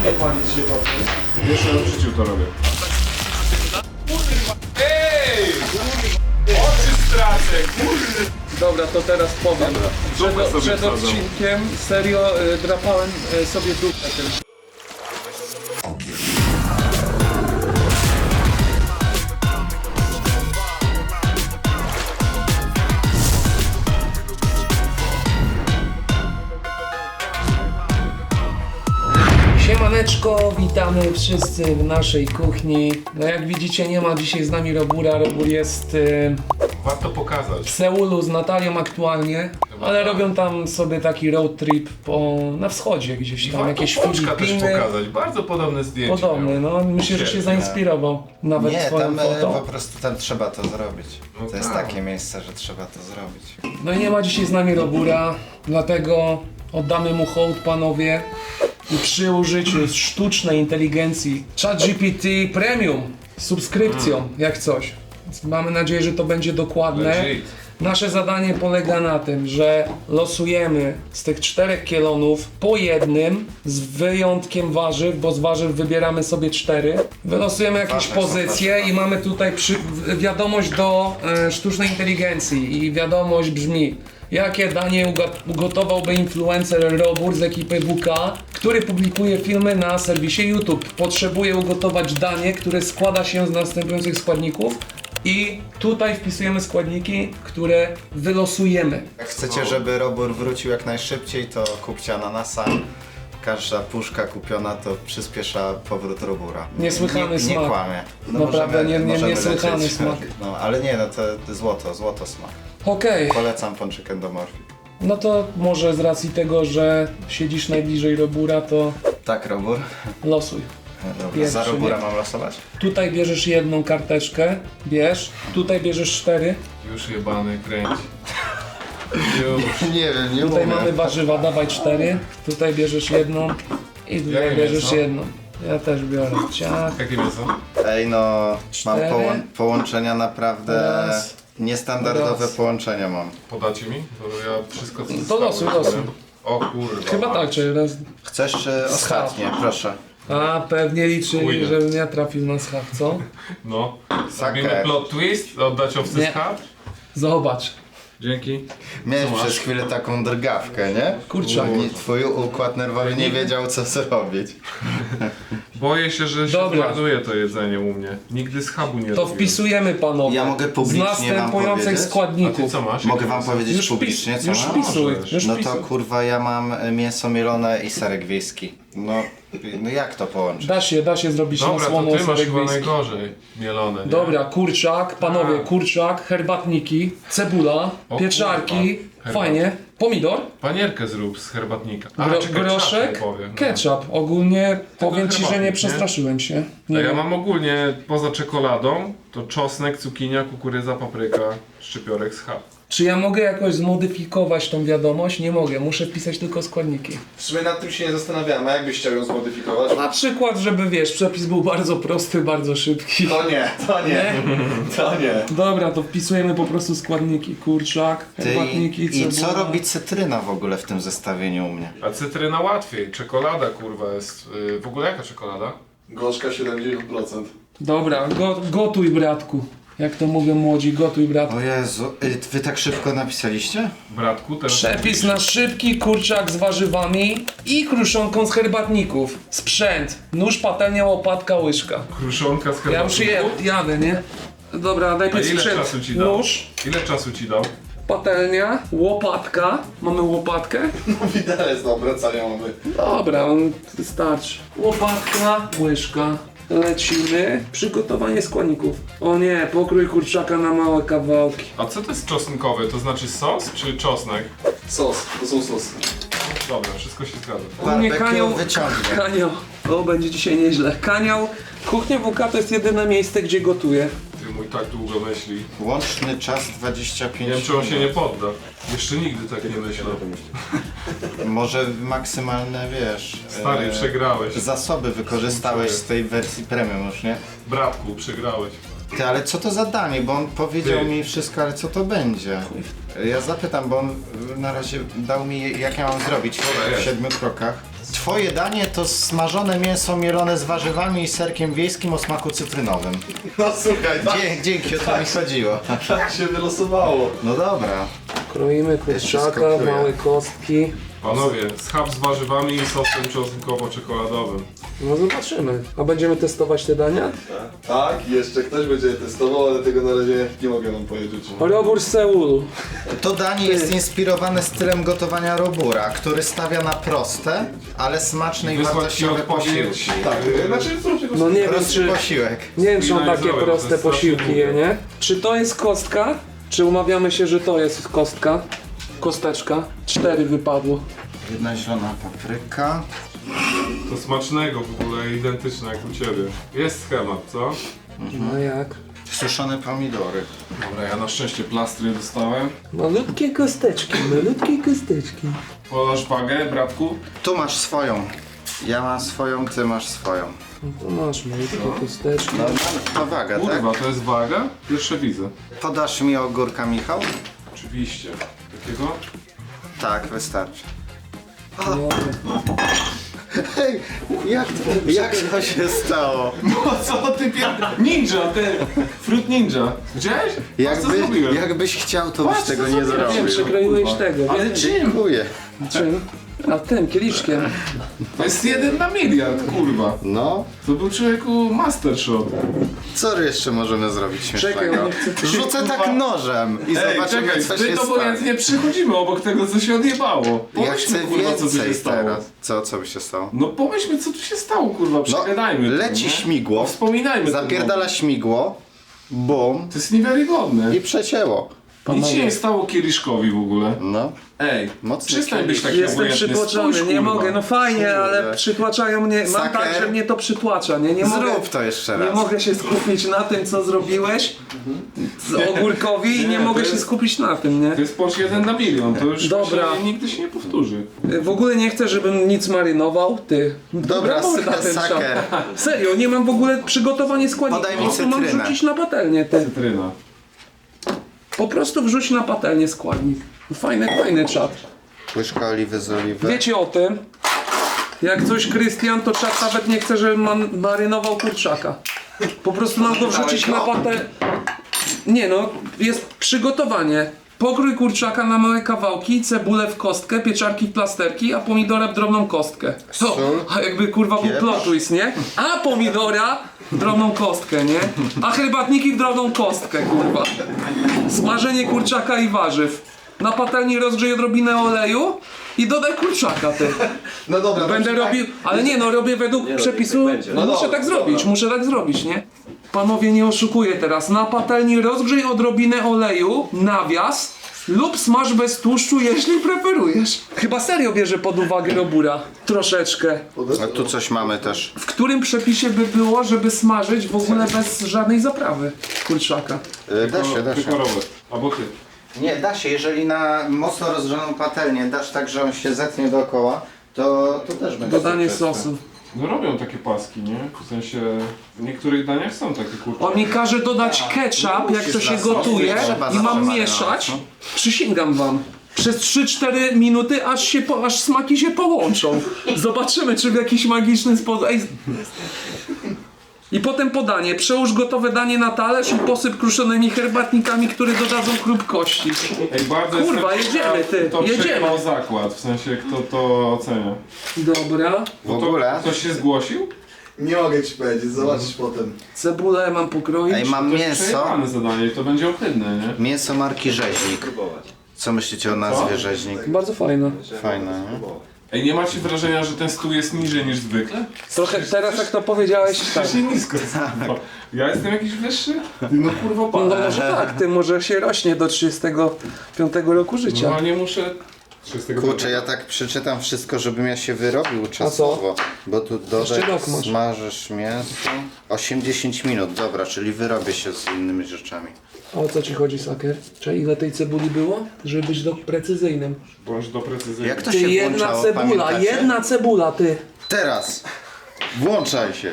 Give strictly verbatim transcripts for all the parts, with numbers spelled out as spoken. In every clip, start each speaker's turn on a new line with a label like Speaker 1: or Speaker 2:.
Speaker 1: nie palić się patrzę.
Speaker 2: Jeszcze raz w życiu to robię.
Speaker 3: Ej! Oczy stracę, kurde!
Speaker 4: Dobra, to teraz powiem.
Speaker 2: Dupę
Speaker 4: Przed,
Speaker 2: sobie
Speaker 4: przed
Speaker 2: wsadzą.
Speaker 4: odcinkiem serio y, drapałem y, sobie dupę tym. Siemaneczko, witamy wszyscy w naszej kuchni. No jak widzicie, nie ma dzisiaj z nami Robura. Robur jest y,
Speaker 3: Warto pokazać.
Speaker 4: w Seulu z Natalią aktualnie, ale robią tam sobie taki road trip po, na wschodzie gdzieś tam,
Speaker 3: Warto
Speaker 4: jakieś
Speaker 3: Pączka też
Speaker 4: Filipiny.
Speaker 3: pokazać. Bardzo podobne zdjęcie.
Speaker 4: Podobny,
Speaker 3: miał.
Speaker 4: no myślę, że się
Speaker 3: Świetnie.
Speaker 4: zainspirował nawet
Speaker 5: Nie,
Speaker 4: twoją
Speaker 5: tam e,
Speaker 4: fotą.
Speaker 5: po prostu tam trzeba to zrobić.
Speaker 3: No
Speaker 5: To jest
Speaker 3: tak.
Speaker 5: takie miejsce, że trzeba to zrobić.
Speaker 4: No i nie ma dzisiaj z nami Robura, dlatego oddamy mu hołd, panowie. I przy użyciu sztucznej inteligencji ChatGPT Premium z subskrypcją,
Speaker 3: Mm.
Speaker 4: jak coś. Więc mamy nadzieję, że to będzie dokładne.
Speaker 3: Legit.
Speaker 4: Nasze zadanie polega na tym, że losujemy z tych czterech kielonów po jednym, z wyjątkiem warzyw, bo z warzyw wybieramy sobie cztery. Wylosujemy jakieś
Speaker 5: Ważne są
Speaker 4: pozycje
Speaker 5: warzywa.
Speaker 4: i mamy tutaj przy, wiadomość do e, sztucznej inteligencji i wiadomość brzmi: jakie danie uga- ugotowałby influencer Robur z ekipy W K, który publikuje filmy na serwisie YouTube? Potrzebuje ugotować danie, które składa się z następujących składników i tutaj wpisujemy składniki, które wylosujemy.
Speaker 5: Jak chcecie, żeby Robur wrócił jak najszybciej, to kupcie ananasa. Każda puszka kupiona to przyspiesza powrót Robura.
Speaker 4: Niesłychany
Speaker 5: nie,
Speaker 4: smak.
Speaker 5: Nie kłamie.
Speaker 4: Naprawdę nie- nie-
Speaker 5: możemy
Speaker 4: niesłychany
Speaker 5: lecieć.
Speaker 4: smak.
Speaker 5: No, ale nie, no to, to złoto, złoto smak.
Speaker 4: Okej,
Speaker 5: Polecam pączek endomorfik.
Speaker 4: no to może z racji tego, że siedzisz najbliżej Robura, to
Speaker 5: Tak, Robur?
Speaker 4: losuj.
Speaker 5: Dobra,
Speaker 4: Pierwszy,
Speaker 5: za Robura
Speaker 4: nie?
Speaker 5: mam losować?
Speaker 4: Tutaj bierzesz jedną karteczkę, bierz. Tutaj bierzesz cztery.
Speaker 3: Już jebany kręci. Już.
Speaker 5: Nie wiem, nie
Speaker 4: Tutaj mamy warzywa, dawaj cztery. Tutaj bierzesz jedną i tutaj
Speaker 3: Jakie
Speaker 4: bierzesz
Speaker 3: mięso?
Speaker 4: jedną. Ja też biorę. Ciach.
Speaker 3: Jakie mięso?
Speaker 5: Ej no, mam
Speaker 4: Cztery.
Speaker 5: połą- połączenia naprawdę...
Speaker 4: Raz.
Speaker 5: Niestandardowe
Speaker 4: Raz.
Speaker 5: połączenia mam.
Speaker 3: Podacie mi? To ja wszystko co
Speaker 4: To
Speaker 3: zostało
Speaker 4: losuj,
Speaker 3: już
Speaker 4: losuj.
Speaker 3: powiem. O kurwa.
Speaker 4: Chyba tak, czy raz.
Speaker 5: Chcesz czy ostatnie? Proszę.
Speaker 4: A pewnie liczyli,
Speaker 3: Chuj.
Speaker 4: żebym ja trafił na schab, co?
Speaker 3: No.
Speaker 5: Saker.
Speaker 3: Robimy plot twist? Oddać owcy
Speaker 4: Nie.
Speaker 3: schab?
Speaker 4: Zobacz.
Speaker 3: Dzięki.
Speaker 5: Miałeś
Speaker 3: Co masz?
Speaker 5: przez chwilę taką drgawkę, nie?
Speaker 4: Kurczak.
Speaker 5: Nie, twój układ nerwowy nie wiedział co zrobić.
Speaker 3: Boję się, że się
Speaker 4: Dobra.
Speaker 3: zmarnuje to jedzenie u mnie. Nigdy schabu nie
Speaker 4: To
Speaker 3: robiłem.
Speaker 4: wpisujemy, panowie.
Speaker 5: Ja mogę publicznie
Speaker 4: z
Speaker 5: wam
Speaker 4: następujących
Speaker 5: powiedzieć?
Speaker 3: A ty
Speaker 4: składników.
Speaker 3: co masz?
Speaker 5: Mogę
Speaker 3: Jakie
Speaker 5: wam
Speaker 3: mięso?
Speaker 5: powiedzieć
Speaker 4: Już,
Speaker 5: publicznie,
Speaker 4: pis,
Speaker 5: co
Speaker 4: już
Speaker 5: mam?
Speaker 4: wpisuj,
Speaker 3: Możesz.
Speaker 4: już
Speaker 5: No to
Speaker 4: wpisuj.
Speaker 5: kurwa ja mam e, mięso mielone i serek wiejski. No, no jak to połączyć?
Speaker 4: Da się, da się zrobić na
Speaker 3: Dobra, to
Speaker 4: słono
Speaker 3: ty masz
Speaker 4: serek
Speaker 3: chyba
Speaker 4: wiejski.
Speaker 3: najgorzej mielone, nie?
Speaker 4: Dobra, kurczak, panowie,
Speaker 3: A.
Speaker 4: kurczak, herbatniki, cebula,
Speaker 3: O
Speaker 4: pieczarki,
Speaker 3: kurwa.
Speaker 4: fajnie, pomidor,
Speaker 3: Panierkę zrób z herbatnika. A,
Speaker 4: gro,
Speaker 3: czekaj,
Speaker 4: groszek,
Speaker 3: czapkę powiem.
Speaker 4: ketchup. Ogólnie powiem ci, że
Speaker 3: herbatnik,
Speaker 4: nie
Speaker 3: nie?
Speaker 4: przestraszyłem się.
Speaker 3: A
Speaker 4: Nie
Speaker 3: ja
Speaker 4: wiem.
Speaker 3: mam ogólnie poza czekoladą to czosnek, cukinia, kukurydza, papryka, szczypiorek, schab.
Speaker 4: Czy ja mogę jakoś zmodyfikować tą wiadomość? Nie mogę, muszę wpisać tylko składniki.
Speaker 1: W sumie nad tym się nie zastanawiałem, a jakbyś chciał ją zmodyfikować?
Speaker 4: Na przykład, żeby wiesz, przepis był bardzo prosty, bardzo szybki.
Speaker 1: To nie, to nie, to nie.
Speaker 4: Dobra, to wpisujemy po prostu składniki. Kurczak,
Speaker 5: Ty,
Speaker 4: herbatniki,
Speaker 5: i, I
Speaker 4: cebula.
Speaker 5: co robi cytryna w ogóle w tym zestawieniu u mnie?
Speaker 3: A cytryna łatwiej, czekolada kurwa jest. Yy, w ogóle jaka czekolada?
Speaker 1: Gorzka siedemdziesiąt procent.
Speaker 4: Dobra, go, gotuj bratku. Jak to mówią młodzi, gotuj bratku.
Speaker 5: O Jezu, y, wy tak szybko napisaliście?
Speaker 3: Bratku, teraz.
Speaker 4: Przepis na szybki kurczak z warzywami i kruszonką z herbatników. Sprzęt. Nóż, patelnia, łopatka, łyżka.
Speaker 3: Kruszonka z
Speaker 4: Ja już
Speaker 3: herbatników?
Speaker 4: je, jadę, nie? Dobra,
Speaker 3: A
Speaker 4: najpierw
Speaker 3: ile
Speaker 4: sprzęt.
Speaker 3: czasu ci dał?
Speaker 4: Nóż,
Speaker 3: Ile czasu ci dał?
Speaker 4: patelnia, łopatka. Mamy łopatkę?
Speaker 1: No widelec do obracania mamy.
Speaker 4: Dobra, on wystarczy. Łopatka, łyżka. Lecimy. Przygotowanie składników. O nie, pokrój kurczaka na małe kawałki.
Speaker 3: A co to jest czosnkowy? To znaczy sos czy czosnek?
Speaker 1: Sos, to są sosy.
Speaker 3: Dobra, wszystko się zgadza.
Speaker 4: U mnie
Speaker 5: Barbecue
Speaker 4: kanioł,
Speaker 5: wyciągnie.
Speaker 4: kanioł. O, będzie dzisiaj nieźle. Kanioł. Kuchnia W K to jest jedyne miejsce, gdzie gotuję.
Speaker 3: Ty mój tak długo myśli.
Speaker 5: Łączny czas dwadzieścia pięć
Speaker 3: Nie wiem, czy on się nie podda. Jeszcze nigdy tak nie myślał.
Speaker 5: Może maksymalne, wiesz...
Speaker 3: Stary,
Speaker 5: e,
Speaker 3: przegrałeś.
Speaker 5: Zasoby wykorzystałeś z tej wersji premium już, nie?
Speaker 3: Bratku, przegrałeś.
Speaker 5: Ty, ale co to za danie? Bo on powiedział
Speaker 3: Ty.
Speaker 5: mi wszystko, ale co to będzie? Ja zapytam, bo on na razie dał mi jak ja mam zrobić
Speaker 3: Dobra,
Speaker 5: w
Speaker 3: jest.
Speaker 5: siedmiu krokach. Twoje danie to smażone mięso mielone z warzywami i serkiem wiejskim o smaku cytrynowym.
Speaker 1: No słuchaj, tak,
Speaker 5: Dzie- dzięki, o to mi chodziło.
Speaker 1: tak się wylosowało.
Speaker 5: No dobra.
Speaker 4: Kroimy
Speaker 5: Jeszcze
Speaker 4: kurczaka,
Speaker 5: skopuję.
Speaker 4: małe kostki.
Speaker 3: Panowie, schab z warzywami i sosem czosnkowo-czekoladowym.
Speaker 4: No zobaczymy. A będziemy testować te dania?
Speaker 1: Tak, jeszcze ktoś będzie je testował, ale tego na razie nie mogę wam powiedzieć.
Speaker 4: Robór z Seulu.
Speaker 5: To danie jest inspirowane stylem gotowania Robura, który stawia na proste, ale smaczne i
Speaker 3: Wysłać ci
Speaker 5: wartościowe
Speaker 3: odpowiedź.
Speaker 5: posiłki.
Speaker 1: Tak, znaczy zróbcie go
Speaker 4: No nie wiem
Speaker 5: Prosty
Speaker 4: czy...
Speaker 5: posiłek.
Speaker 4: Nie wiem czy on takie
Speaker 3: Finalizować, to
Speaker 4: proste
Speaker 3: jest
Speaker 4: posiłki
Speaker 3: strasznie
Speaker 4: je,
Speaker 3: długie.
Speaker 4: nie? Czy to jest kostka? Czy umawiamy się, że to jest kostka? Kosteczka. Cztery wypadło.
Speaker 5: Jedna zielona papryka.
Speaker 3: To smacznego w ogóle, identyczne jak u ciebie. Jest schemat, co?
Speaker 4: No jak?
Speaker 5: Suszone pomidory.
Speaker 3: Dobra, ja na szczęście plastry dostałem.
Speaker 4: Malutkie kosteczki, malutkie kosteczki.
Speaker 3: Podasz wagę, bratku?
Speaker 5: Tu masz swoją. Ja mam swoją, ty masz swoją.
Speaker 4: No to masz malutkie kosteczki.
Speaker 5: No, to waga, tak?
Speaker 3: Kurwa, to jest waga? Pierwsze widzę.
Speaker 5: Podasz mi ogórka, Michał?
Speaker 3: Oczywiście. Takiego?
Speaker 5: Tak, wystarczy.
Speaker 4: No,
Speaker 5: Hej, jak to, jak to się stało?
Speaker 3: No co ty pier... Ninja, ten! Fruit Ninja. Widziałeś? Patrz, co
Speaker 5: Jakby,
Speaker 3: zrobiłem.
Speaker 5: jakbyś chciał, to byś
Speaker 3: Patrz,
Speaker 5: tego
Speaker 3: co
Speaker 5: nie
Speaker 3: zrobiłem.
Speaker 4: wiem,
Speaker 5: zrobił.
Speaker 4: przekroiłeś
Speaker 3: kurwa.
Speaker 4: tego.
Speaker 3: Ale
Speaker 4: wiem.
Speaker 3: czym?
Speaker 5: Dziękuję.
Speaker 4: Czym? A tym, kieliszkiem.
Speaker 3: To jest jeden na miliard, kurwa.
Speaker 5: No,
Speaker 3: To był człowieku master shot.
Speaker 5: co jeszcze możemy zrobić
Speaker 4: Czekaj,
Speaker 5: śmiesznego?
Speaker 4: nie chcę-
Speaker 5: Rzucę tak nożem i
Speaker 3: Ej,
Speaker 5: zobaczymy,
Speaker 3: czekaj,
Speaker 5: co
Speaker 3: my
Speaker 5: się
Speaker 3: to
Speaker 5: stanie.
Speaker 3: obojętnie przychodzimy obok tego, co się odjebało.
Speaker 5: Ja
Speaker 3: Pomyślmy,
Speaker 5: chcę
Speaker 3: kurwa, co tu się
Speaker 5: więcej
Speaker 3: stało.
Speaker 5: teraz. Co, co by się stało?
Speaker 3: No pomyślmy, co tu się stało, kurwa,
Speaker 5: No,
Speaker 3: przegadajmy. to,
Speaker 5: leci
Speaker 3: nie?
Speaker 5: śmigło,
Speaker 3: Wspominajmy
Speaker 5: zapierdala śmigło, bum
Speaker 3: To jest niewiarygodne.
Speaker 5: i przecięło.
Speaker 3: Nic się nie stało kieliszkowi w ogóle.
Speaker 5: No,
Speaker 3: Ej,
Speaker 5: Mocny
Speaker 3: przestań być
Speaker 5: kielisz.
Speaker 3: taki
Speaker 4: Jestem
Speaker 3: obojętny.
Speaker 4: przytłoczony,
Speaker 3: Spójrz,
Speaker 4: nie
Speaker 3: kurwa.
Speaker 4: mogę, no fajnie, ale
Speaker 5: Kurde.
Speaker 4: przytłaczają mnie, mam
Speaker 5: Saker.
Speaker 4: tak, że mnie to przytłacza, nie? Nie mogę,
Speaker 5: zrób to jeszcze
Speaker 4: nie
Speaker 5: raz.
Speaker 4: mogę się skupić na tym, co zrobiłeś z ogórkowi i nie
Speaker 3: Nie,
Speaker 4: mogę
Speaker 3: to
Speaker 4: się
Speaker 3: jest-
Speaker 4: skupić na tym, nie?
Speaker 3: To jest pocz jeden na milion, to już
Speaker 4: Dobra.
Speaker 3: się nigdy się nie powtórzy.
Speaker 4: W ogóle nie chcę, żebym nic marynował, ty.
Speaker 5: Dobra,
Speaker 4: Brawo na ten
Speaker 5: saker.
Speaker 4: czas. Serio, nie mam w ogóle przygotowania składników,
Speaker 5: Podaj
Speaker 4: po
Speaker 5: mi
Speaker 4: prostu mam
Speaker 5: cytrynę.
Speaker 4: wrzucić na patelnię, ty.
Speaker 3: Cytryna.
Speaker 4: Po prostu wrzuć na patelnię składnik. Fajny, fajny czat.
Speaker 5: Łyżka oliwy z oliwy.
Speaker 4: Wiecie o tym? Jak coś Krystian, to czat nawet nie chce, żebym man- marynował kurczaka. Po prostu mam go wrzucić na patelnię. Nie no, jest przygotowanie. Pokrój kurczaka na małe kawałki, cebulę w kostkę, pieczarki w plasterki, a pomidora w drobną kostkę. To,
Speaker 5: Sól,
Speaker 4: a jakby kurwa był
Speaker 5: pieprz.
Speaker 4: plot twist, nie? A pomidora w drobną kostkę, nie? A herbatniki w drobną kostkę, kurwa. Smażenie kurczaka i warzyw. Na patelni rozgrzej odrobinę oleju i dodaj kurczaka, ty.
Speaker 1: No dobra,
Speaker 4: Będę
Speaker 1: to
Speaker 4: robił, ale nie no, robię według przepisu,
Speaker 1: No
Speaker 4: muszę
Speaker 1: dobra,
Speaker 4: tak zrobić,
Speaker 1: dobra.
Speaker 4: muszę tak zrobić, nie? Panowie, nie oszukuję teraz, na patelni rozgrzej odrobinę oleju, nawias lub smaż bez tłuszczu, jeśli preferujesz. Chyba serio bierze pod uwagę Robura, troszeczkę.
Speaker 5: A tu coś mamy też.
Speaker 4: W którym przepisie by było, żeby smażyć w ogóle bez żadnej zaprawy kurczaka?
Speaker 5: Y, Da się, da się.
Speaker 3: Wykorowe. Albo ty.
Speaker 5: Nie, da się. Jeżeli na mocno rozgrzaną patelnię dasz tak, że on się zetnie dookoła, to, to też będzie
Speaker 4: Dodanie
Speaker 5: sukces.
Speaker 4: sosu.
Speaker 3: No robią takie paski, nie? W sensie, w niektórych daniach są takie kurczaki.
Speaker 4: On mi każe dodać ketchup, jak to się
Speaker 5: na sos,
Speaker 4: gotuje
Speaker 5: nie trzeba
Speaker 4: i mam
Speaker 5: zawsze
Speaker 4: mieszać.
Speaker 5: marynować, no.
Speaker 4: Przysięgam wam. Przez trzy cztery minuty, aż, się po, aż smaki się połączą. Zobaczymy, czy w jakiś magiczny sposób... Ej. I potem podanie. Przełóż gotowe danie na talerz i posyp kruszonymi herbatnikami, które dodadzą chrupkości.
Speaker 3: Ej, bardzo
Speaker 4: Kurwa,
Speaker 3: jestem
Speaker 4: jedziemy,
Speaker 3: ciekaw,
Speaker 4: ty,
Speaker 3: kto
Speaker 4: jedziemy.
Speaker 3: przekonał zakład, w sensie kto to ocenia.
Speaker 4: Dobra.
Speaker 5: W ogóle.
Speaker 3: Ktoś się zgłosił?
Speaker 1: nie mogę ci powiedzieć, zobaczysz potem.
Speaker 4: Cebulę mam pokroić.
Speaker 5: Ej, mam
Speaker 3: To jest
Speaker 5: mięso.
Speaker 3: przejebane zadanie i to będzie ohydne, nie?
Speaker 5: Mięso marki Rzeźnik. Co myślicie o nazwie Rzeźnik?
Speaker 4: Bardzo fajne.
Speaker 5: Fajne, nie?
Speaker 3: Ej, nie macie wrażenia, że ten stół jest niżej niż zwykle?
Speaker 4: Trochę teraz jak to powiedziałeś, tak.
Speaker 3: Strasznie nisko. Ja jestem jakiś wyższy? Ty no kurwa
Speaker 4: No
Speaker 3: pan.
Speaker 4: może tak, ty może się rośnie do trzydziestego piątego roku życia.
Speaker 3: No nie muszę... trzydziestego
Speaker 5: Kurczę, ja tak przeczytam wszystko, żebym ja się wyrobił czasowo. Bo tu
Speaker 4: Jeszcze
Speaker 5: dodaj,
Speaker 4: rok masz.
Speaker 5: smażysz mięso. osiem do dziesięciu minut, dobra, czyli wyrobię się z innymi rzeczami.
Speaker 4: A o co ci chodzi, Saker? Czy ile tej cebuli było? Żeby być do precyzyjnym.
Speaker 3: Bądź do precyzyjny.
Speaker 5: Jak to
Speaker 4: Ty,
Speaker 5: się
Speaker 4: jedna
Speaker 5: włączało,
Speaker 4: cebula,
Speaker 5: pamiętacie?
Speaker 4: jedna cebula, ty.
Speaker 5: Teraz! Włączaj się!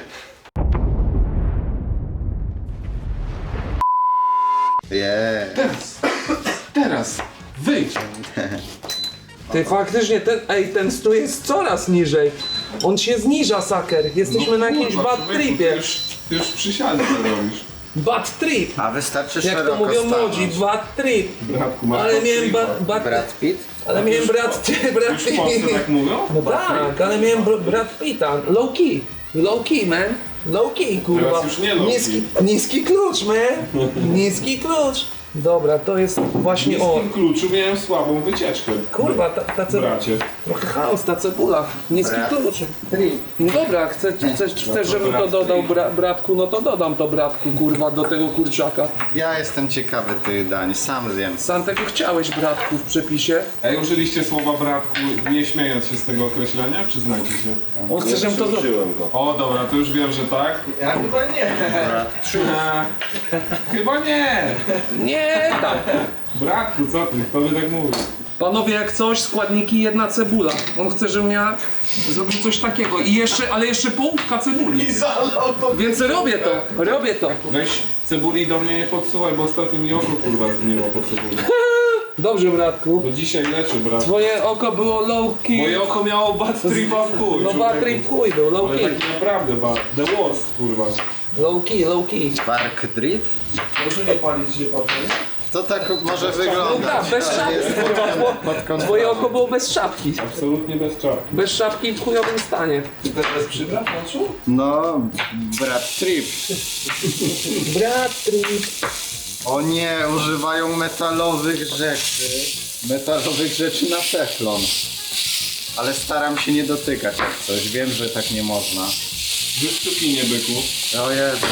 Speaker 5: Jeee.
Speaker 3: Teraz! Teraz! Wyjdź!
Speaker 4: Ty faktycznie ten, ej, ten stół jest coraz niżej. On się zniża, saker. Jesteśmy na jakimś
Speaker 3: kurwa,
Speaker 4: bad
Speaker 3: człowieku,
Speaker 4: tripie.
Speaker 3: Ty już, ty już przysiady to robisz.
Speaker 4: Bad trip.
Speaker 5: A wystarczy
Speaker 4: Jak to
Speaker 5: szeroko
Speaker 4: mówią
Speaker 5: stanąć.
Speaker 4: młodzi, bad trip.
Speaker 3: Bratku, masz
Speaker 4: Ale
Speaker 3: bad
Speaker 4: miałem
Speaker 3: tripa.
Speaker 4: ba, bad,
Speaker 5: Brad Pitt?
Speaker 4: ale miałem brat, brat
Speaker 3: Już w Polsce tak mówią?
Speaker 4: No tak, ale miałem br- brat Pita. Low key. Low key, man. Low key, kurwa.
Speaker 3: Teraz już nie low key.
Speaker 4: niski, niski klucz, man. Niski klucz. Dobra, to jest właśnie
Speaker 3: W
Speaker 4: o.
Speaker 3: tym kluczu miałem słabą wycieczkę.
Speaker 4: Kurwa, ta, ta cebula.
Speaker 3: Bracie.
Speaker 4: Trochę chaos, ta cebula. Niski
Speaker 5: Brat.
Speaker 4: klucz. No dobra, chcesz, chcesz, chcesz żebym to dodał bra, bratku, no to dodam to bratku, kurwa, do tego kurczaka.
Speaker 5: Ja jestem ciekawy tych dań, sam zjem.
Speaker 4: Sam tego chciałeś, bratku, w przepisie.
Speaker 3: Ej, użyliście słowa bratku, nie śmiejąc się z tego określenia? Przyznajcie się.
Speaker 4: On chce, żebym to zrobił.
Speaker 3: O, dobra, to już wiem, że tak.
Speaker 1: Ja chyba nie.
Speaker 3: Eee, chyba nie!
Speaker 4: Nie, tak.
Speaker 3: Bratku, co ty? Kto by tak mówił?
Speaker 4: Panowie, jak coś, składniki, jedna cebula. On chce, żebym ja zrobił coś takiego. I jeszcze, ale jeszcze połówka cebuli. Więc robię to, robię to.
Speaker 3: Weź cebuli do mnie nie podsuwaj, bo ostatnio mi oko kurwa zgniło po cebuli.
Speaker 4: Dobrze, bratku.
Speaker 3: Bo dzisiaj leczy, brat.
Speaker 4: Twoje oko było low key.
Speaker 3: Moje oko miało bad tripa w chuj.
Speaker 4: No battery w chuj był, low
Speaker 3: Ale
Speaker 4: key.
Speaker 3: taki naprawdę bad. The worst, kurwa.
Speaker 4: Low key, low key.
Speaker 5: Park Drip?
Speaker 1: Proszę nie palić się papieru.
Speaker 5: To tak może
Speaker 4: No
Speaker 5: wyglądać.
Speaker 4: tak, bez
Speaker 5: ale
Speaker 4: szapki.
Speaker 5: jest pod kontrolą.
Speaker 4: Twoje oko było bez szapki.
Speaker 3: Absolutnie bez czapki.
Speaker 4: Bez szapki w chujowym stanie.
Speaker 1: Ty teraz przypraw na czu?
Speaker 5: No, Brad Trip.
Speaker 4: Bratry.
Speaker 5: O nie, używają metalowych rzeczy. Metalowych rzeczy na teflon. Ale staram się nie dotykać jak coś. Wiem, że tak nie można.
Speaker 3: Wyszczuki nie byku.
Speaker 5: O Jezu.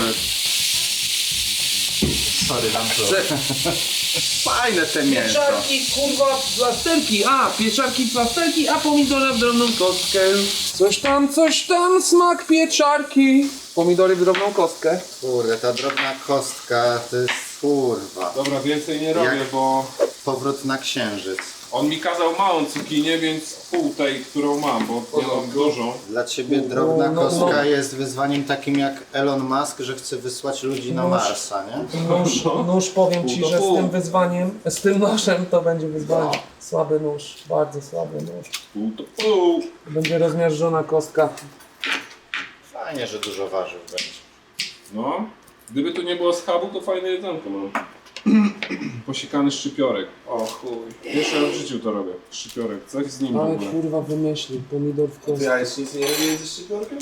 Speaker 5: Sorry, dam to. Fajne te mięso.
Speaker 4: Pieczarki, kurwa, plasterki. A, pieczarki, plasterki, a pomidora w drobną kostkę. Coś tam, coś tam, smak pieczarki. Pomidory w drobną kostkę.
Speaker 5: Kurde, ta drobna kostka to jest kurwa.
Speaker 3: Dobra, więcej nie robię,
Speaker 5: Jak?
Speaker 3: bo
Speaker 5: Powrót na księżyc.
Speaker 3: on mi kazał małą cukinię, więc pół tej, którą mam, bo nie mam dużą.
Speaker 5: Dla ciebie drobna
Speaker 4: no,
Speaker 5: kostka
Speaker 4: no.
Speaker 5: jest wyzwaniem takim jak Elon Musk, że chce wysłać ludzi na Marsa, nie?
Speaker 4: Nóż, nóż powiem ci,
Speaker 3: Pół do
Speaker 4: że z
Speaker 3: pół.
Speaker 4: tym wyzwaniem, z tym nożem to będzie wyzwanie. Słaby nóż, bardzo słaby nóż.
Speaker 3: Pół to pół.
Speaker 4: Będzie rozmiażdżona kostka.
Speaker 5: Fajnie, że dużo warzyw będzie.
Speaker 3: No. Gdyby tu nie było schabu, to fajne jedzonko mam. Posiekany szczypiorek. O chuj. Pierwszy raz w życiu to robię. Szczypiorek. Coś z nim w
Speaker 4: Ale
Speaker 3: ogóle.
Speaker 4: kurwa wymyślił, pomidor w
Speaker 1: Ty
Speaker 4: kostce.
Speaker 1: jajecznicy nie robiłeś ze szczypiorkiem?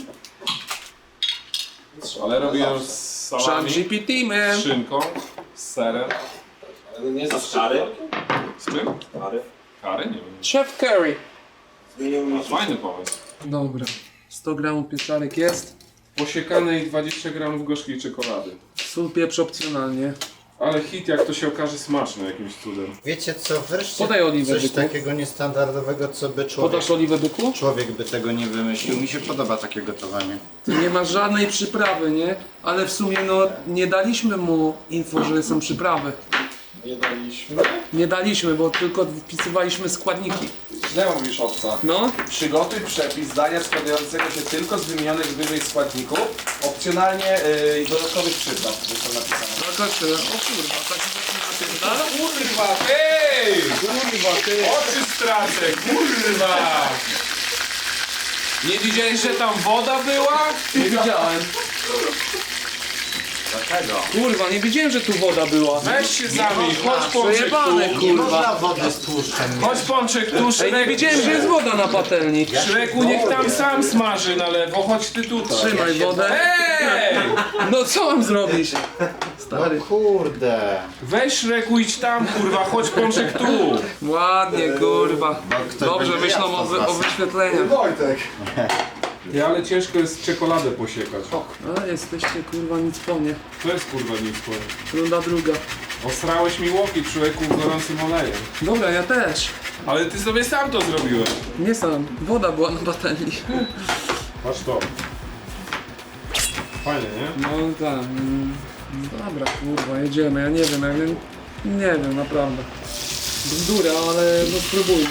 Speaker 3: Ale robiłem z salami,
Speaker 4: G P T,
Speaker 3: z
Speaker 4: man.
Speaker 3: szynką, z serem.
Speaker 1: Ale nie ze szczypiorkiem?
Speaker 3: Z czym? Kary. Kary? Nie wiem.
Speaker 4: Chef Curry.
Speaker 1: Zmienił mi
Speaker 3: Fajny pomysł.
Speaker 4: Dobra, sto gramów pieczarek jest.
Speaker 3: Posiekanej dwadzieścia gramów gorzkiej czekolady.
Speaker 4: Sól, pieprz opcjonalnie.
Speaker 3: Ale hit, jak to się okaże, smaczny jakimś cudem.
Speaker 5: Wiecie co, wreszcie
Speaker 4: Podaj oliwę,
Speaker 5: coś
Speaker 4: byku.
Speaker 5: takiego niestandardowego, co by człowiek,
Speaker 4: Podasz oliwę, byku?
Speaker 5: człowiek by tego nie wymyślił. Mi się podoba takie gotowanie.
Speaker 4: Tu nie ma żadnej przyprawy, nie? Ale w sumie no nie daliśmy mu info, że są przyprawy.
Speaker 1: Nie daliśmy.
Speaker 4: Nie daliśmy, bo tylko wpisywaliśmy składniki.
Speaker 1: Źle mówisz, obca.
Speaker 4: No,
Speaker 1: Przygotuj przepis dania składającego się tylko z wymienionych wyżej składników, opcjonalnie yy, dodatkowych przypraw, jest to napisane.
Speaker 4: no to tyle. O kurwa, taki właśnie napierdala?
Speaker 3: Kurwa, ej!
Speaker 4: Kurwa, ty.
Speaker 3: Oczy stracę, kurwa! Nie widziałeś, że tam woda była?
Speaker 4: Nie widziałem.
Speaker 1: Dlaczego?
Speaker 4: Kurwa, nie wiedziałem, że tu woda była.
Speaker 3: Weź się zamień, chodź Pączek
Speaker 4: Przejebane,
Speaker 3: tu.
Speaker 5: Nie
Speaker 4: kurwa.
Speaker 5: można wody z tłuszczem.
Speaker 3: Chodź Pączek tu,
Speaker 4: Ej, nie
Speaker 3: Szrek.
Speaker 4: wiedziałem, że jest woda na patelni.
Speaker 3: Szreku, niech tam sam smaży na lewo, chodź ty tutaj.
Speaker 4: Trzymaj wodę.
Speaker 3: Ej!
Speaker 4: No co mam zrobić?
Speaker 5: No kurde.
Speaker 3: Weź Szreku, idź tam, kurwa, chodź Pączek tu.
Speaker 4: Ładnie, kurwa.
Speaker 5: ktoś
Speaker 4: Dobrze
Speaker 5: będzie
Speaker 4: myślą
Speaker 5: jadł
Speaker 4: o,
Speaker 5: z
Speaker 4: wy,
Speaker 5: was.
Speaker 4: o wyświetleniach.
Speaker 1: Wojtek!
Speaker 3: Ty, ale ciężko jest czekoladę posiekać.
Speaker 4: A, jesteście kurwa nic po mnie.
Speaker 3: To jest kurwa nic powiem.
Speaker 4: Runda druga.
Speaker 3: Osrałeś mi łoki, człowieku, gorącym olejem.
Speaker 4: Dobra, ja też.
Speaker 3: Ale ty sobie sam to zrobiłeś.
Speaker 4: Nie sam. Woda była na patelni.
Speaker 3: Patrz to. Fajnie, nie?
Speaker 4: No tak. mm, Dobra, kurwa, jedziemy. Ja nie wiem, ja nie, nie wiem, naprawdę. Bzdura, ale no spróbujmy.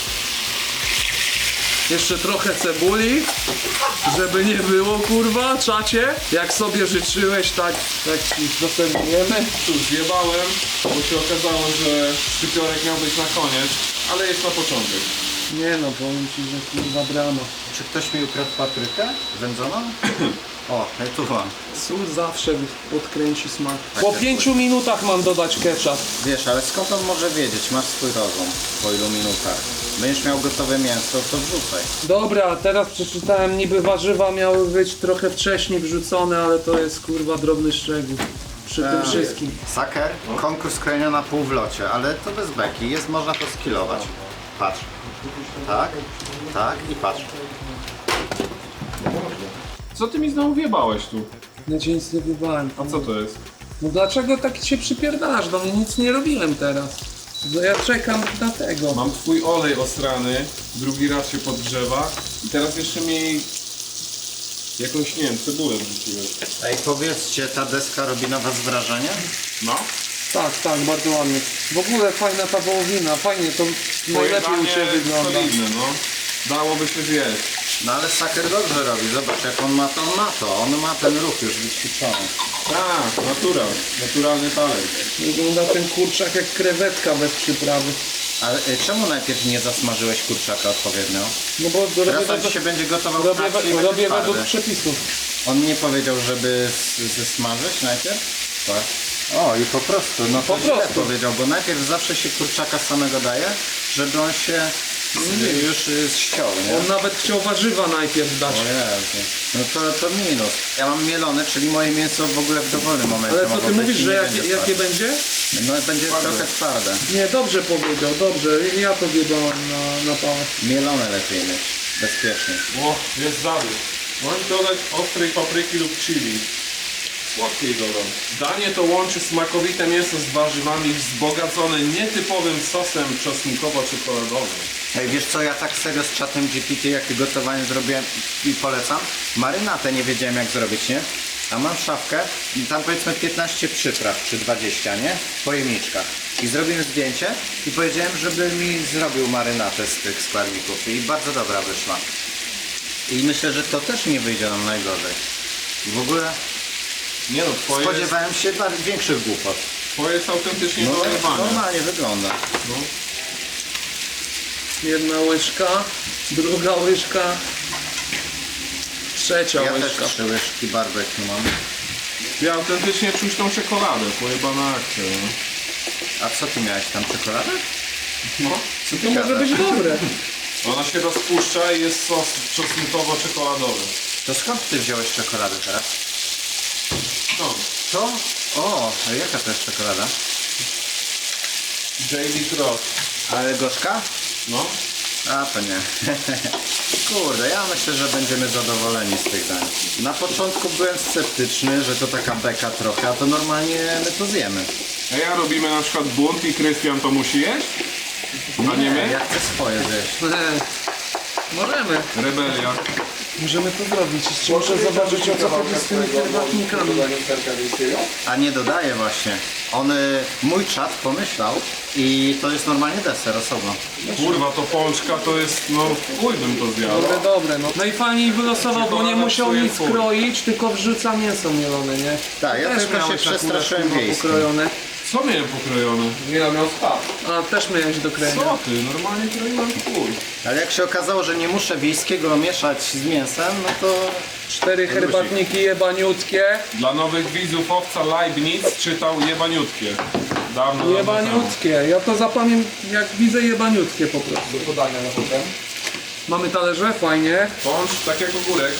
Speaker 4: Jeszcze trochę cebuli, żeby nie było, kurwa, czacie. Jak sobie życzyłeś, tak, tak ci dostępujemy.
Speaker 3: Cóż, zjebałem, bo się okazało, że szczypiorek miał być na koniec, ale jest na początek.
Speaker 4: Nie no, powiem ci, że kurwa brama.
Speaker 5: Czy ktoś mi ukradł paprykę wędzoną? O, ja tu mam.
Speaker 4: Sól zawsze podkręci smak.
Speaker 5: Tak,
Speaker 4: Po
Speaker 5: tak,
Speaker 4: pięciu minutach mam dodać ketchup.
Speaker 5: Wiesz, ale skąd on może wiedzieć? Masz swój rozum po ilu minutach. Będziesz miał gotowe mięso, to wrzucaj.
Speaker 4: Dobra, teraz przeczytałem, niby warzywa miały być trochę wcześniej wrzucone, ale to jest kurwa drobny szczegół. Przy tym wszystkim.
Speaker 5: Saker, konkurs krojenia na pół w locie, ale to bez beki, jest, można to skilować. Patrz. Tak, tak i patrz.
Speaker 3: Co ty mi znowu wjebałeś tu?
Speaker 4: Ja cię nic nie wybałem.
Speaker 3: A co to jest?
Speaker 4: No dlaczego tak się przypierdalasz do mnie? Nic nie robiłem teraz. Bo ja czekam na tego.
Speaker 3: Mam twój olej osrany, drugi raz się podgrzewa i teraz jeszcze mi jakąś, nie wiem, cebulę wrzuciłeś.
Speaker 5: Ej, powiedzcie, ta deska robi na was wrażenie?
Speaker 3: No?
Speaker 4: Tak, tak, bardzo ładnie. W ogóle fajna ta wołowina, fajnie to najlepiej u Ciebie wygląda.
Speaker 3: solidne, no. Dałoby się zjeść.
Speaker 5: No ale Saker dobrze robi, zobacz jak on ma to, on ma to, on ma ten ruch już wyćwiczony.
Speaker 3: Tak, natural, naturalny talent.
Speaker 4: Wygląda ten kurczak jak krewetka bez przyprawy.
Speaker 5: Ale y, czemu najpierw nie zasmażyłeś kurczaka odpowiednio?
Speaker 4: No bo robię,
Speaker 5: Teraz on
Speaker 4: według,
Speaker 5: się będzie gotował
Speaker 4: robię,
Speaker 5: tak, i będzie
Speaker 4: robię
Speaker 5: twardy.
Speaker 4: według przepisów.
Speaker 5: On nie powiedział, żeby s- zesmażyć najpierw? Tak. O, i po prostu, no to
Speaker 4: Po
Speaker 5: źle
Speaker 4: prostu.
Speaker 5: powiedział, bo najpierw zawsze się kurczaka samego daje, żeby on się s- już y, ściął, nie?
Speaker 4: On nawet chciał warzywa najpierw dać.
Speaker 5: O Jezu. No to, to minus. Ja mam mielone, czyli moje mięso w ogóle w dowolnym momencie
Speaker 4: Ale co
Speaker 5: mogło
Speaker 4: ty
Speaker 5: być
Speaker 4: mówisz,
Speaker 5: i
Speaker 4: że
Speaker 5: nie
Speaker 4: jakie,
Speaker 5: będzie
Speaker 4: jakie
Speaker 5: twarde.
Speaker 4: będzie?
Speaker 5: No będzie trochę twarde.
Speaker 4: Nie, dobrze powiedział, dobrze. Ja to wiedziałem na, na pałę.
Speaker 5: Mielone lepiej mieć. Bezpiecznie.
Speaker 3: O, jest zabieg. Możesz dodać ostrej papryki lub chili. Słodkiej dodam. Danie to łączy smakowite mięso z warzywami wzbogacone nietypowym sosem czosnkowo-czekoladowym.
Speaker 5: Ej, wiesz co, ja tak serio z czatem G P T, jakie gotowanie zrobiłem i polecam. Marynatę nie wiedziałem jak zrobić, nie? A mam szafkę i tam powiedzmy piętnaście przypraw czy dwadzieścia, nie? W pojemniczkach. I zrobiłem zdjęcie i powiedziałem, żeby mi zrobił marynatę z tych składników i bardzo dobra wyszła. I myślę, że to też nie wyjdzie nam najgorzej. W ogóle
Speaker 3: Nie no, twoje jest,
Speaker 5: spodziewałem się bar- większych głupot.
Speaker 3: twoje jest autentycznie
Speaker 5: No tak
Speaker 3: dojebane.
Speaker 5: normalnie wygląda.
Speaker 3: No.
Speaker 4: Jedna łyżka, druga łyżka, trzecia
Speaker 5: Ja
Speaker 4: łyżka.
Speaker 5: też trzy łyżki barbecue mam.
Speaker 3: Ja autentycznie czuć tą czekoladę, pojebana akcja. No.
Speaker 5: A co ty miałeś tam, czekoladę?
Speaker 3: No.
Speaker 5: Co ty
Speaker 4: To może
Speaker 5: gadasz?
Speaker 4: być dobre.
Speaker 3: Ona się rozpuszcza i jest sos czosnkowo-czekoladowy.
Speaker 5: To skąd ty wziąłeś czekoladę teraz?
Speaker 3: No.
Speaker 5: Co? O, a jaka to jest czekolada?
Speaker 3: J D Cross.
Speaker 5: Ale gorzka?
Speaker 3: No.
Speaker 5: A to nie. Kurde, ja myślę, że będziemy zadowoleni z tych dań. Na początku byłem sceptyczny, że to taka beka trochę, a to normalnie my to zjemy.
Speaker 3: A ja robimy na przykład bunt i Krystian to musi jeść? A nie my?
Speaker 5: Ja chcę swoje zjeść.
Speaker 4: Możemy.
Speaker 3: Rebelia.
Speaker 4: Możemy to zrobić. Jeszcze muszę zobaczyć o co chodzi z tymi herbatnikami.
Speaker 5: A nie dodaję właśnie. On, y, mój czat pomyślał i to jest normalnie deser osobno.
Speaker 3: Kurwa, to pączka to jest, no chuj bym to zjadł.
Speaker 4: Dobre, dobre, no. No i fajnie wylosował, bo nie
Speaker 3: Czekolada
Speaker 4: musiał
Speaker 3: psuje
Speaker 4: nic
Speaker 3: fuj.
Speaker 4: kroić, tylko wrzuca mięso mielone, nie?
Speaker 5: Tak, ja
Speaker 4: Też
Speaker 5: tylko się
Speaker 4: miałeś akurat,
Speaker 5: przestraszyłem
Speaker 4: kurwa,
Speaker 5: wiejskim.
Speaker 4: pokrojone.
Speaker 3: Co miałem pokrojone?
Speaker 1: Nie no, miał spad.
Speaker 4: A, też miałeś do krojenia.
Speaker 3: Co ty? Normalnie kroiłem chuj.
Speaker 5: Ale jak się okazało, że nie muszę wiejskiego mieszać z mięsem, no to
Speaker 4: Cztery herbatniki jebaniutkie.
Speaker 3: Dla nowych widzów owca Leibniz czytał jebaniutkie. Dawno, dawno temu.
Speaker 4: Jebaniutkie. Ja to zapamiętam jak widzę jebaniutkie po prostu.
Speaker 1: Do podania na potem.
Speaker 4: Mamy talerze, fajnie.
Speaker 3: Pącz, tak jak ogórek.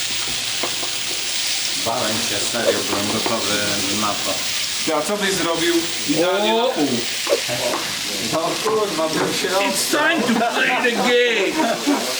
Speaker 5: bałem się, serio, byłem gotowy na to.
Speaker 3: Ty, a co byś zrobił idealnie
Speaker 4: O!
Speaker 3: na pół?
Speaker 5: No kurwa, bym się
Speaker 4: It's time to play the game!